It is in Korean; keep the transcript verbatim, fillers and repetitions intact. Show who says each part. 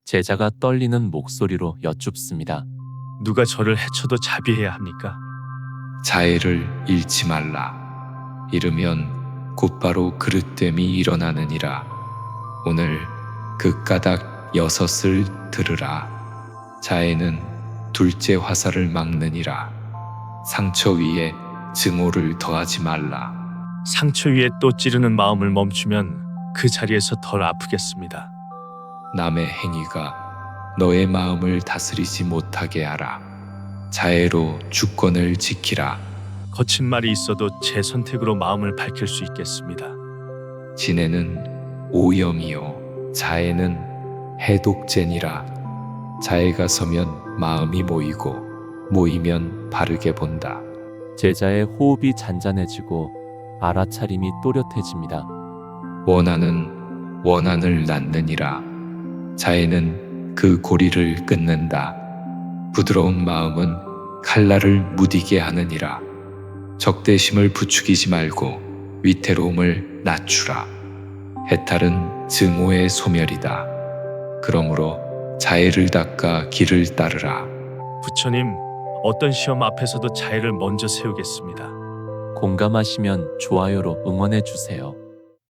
Speaker 1: 제자가 떨리는 목소리로 여쭙습니다.
Speaker 2: 누가 저를 해쳐도 자비해야 합니까?
Speaker 3: 자애를 잃지 말라. 잃으면 곧바로 그릇됨이 일어나느니라. 오늘 그 까닭 여섯을 들으라. 자애는 둘째 화살을 막느니라. 상처 위에 증오를 더하지 말라.
Speaker 2: 상처 위에 또 찌르는 마음을 멈추면 그 자리에서 덜 아프겠습니다.
Speaker 3: 남의 행위가 너의 마음을 다스리지 못하게 하라. 자애로 주권을 지키라.
Speaker 2: 거친 말이 있어도 제 선택으로 마음을 밝힐 수 있겠습니다.
Speaker 3: 진애는 오염이요 자애는 해독제니라. 자애가 서면 마음이 모이고 모이면 바르게 본다.
Speaker 1: 제자의 호흡이 잔잔해지고 알아차림이 또렷해집니다.
Speaker 3: 원한은 원한을 낳느니라. 자애는 그 고리를 끊는다. 부드러운 마음은 칼날을 무디게 하느니라. 적대심을 부추기지 말고 위태로움을 낮추라. 해탈은 증오의 소멸이다. 그러므로 자애를 닦아 길을 따르라.
Speaker 2: 부처님, 어떤 시험 앞에서도 자애를 먼저 세우겠습니다.
Speaker 1: 공감하시면 좋아요로 응원해 주세요.